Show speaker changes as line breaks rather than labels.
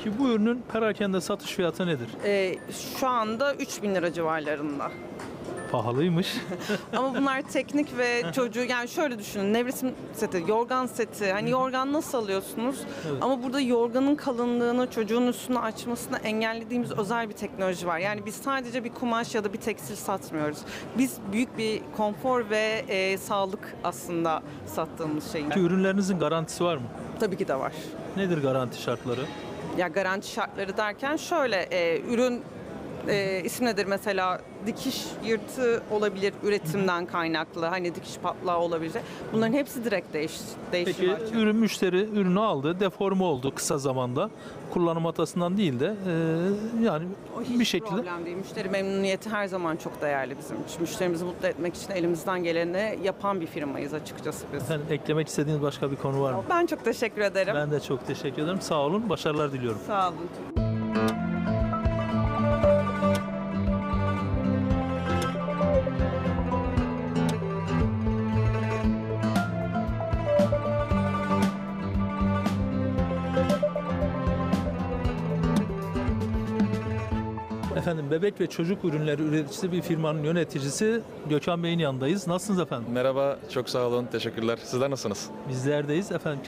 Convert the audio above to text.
Peki bu ürünün perakende satış fiyatı nedir?
Şu anda 3.000 lira civarlarında.
Pahalıymış.
Ama bunlar teknik ve çocuğu, yani şöyle düşünün, nevresim seti, yorgan seti. Hani yorgan nasıl alıyorsunuz?
Evet.
Ama burada yorganın kalınlığını çocuğun üstüne açmasını engellediğimiz özel bir teknoloji var. Yani biz sadece bir kumaş ya da bir tekstil satmıyoruz. Biz büyük bir konfor ve sağlık aslında sattığımız şeyin.
Peki ürünlerinizin garantisi var mı?
Tabii ki de var.
Nedir garanti şartları?
Ya garanti şartları derken şöyle, ürün isim nedir mesela, dikiş yırtığı olabilir üretimden kaynaklı, hani dikiş patlağı olabilir. Bunların hepsi direkt değişim
Peki
var.
müşteri ürünü aldı, deforme oldu kısa zamanda. Kullanım hatasından değil de yani
O hiç
bir şekilde.
problem değil. Müşteri memnuniyeti her zaman çok değerli bizim için. Müşterimizi mutlu etmek için elimizden geleni yapan bir firmayız açıkçası biz.
Efendim, eklemek istediğiniz başka bir konu var mı?
Ben çok teşekkür ederim.
Ben de çok teşekkür ederim. Sağ olun, başarılar diliyorum.
Sağ olun.
Efendim, bebek ve çocuk ürünleri üreticisi bir firmanın yöneticisi Gökhan Bey'in yanındayız. Nasılsınız efendim?
Merhaba, çok sağ olun, teşekkürler. Sizler nasılsınız?
Bizlerdeyiz efendim.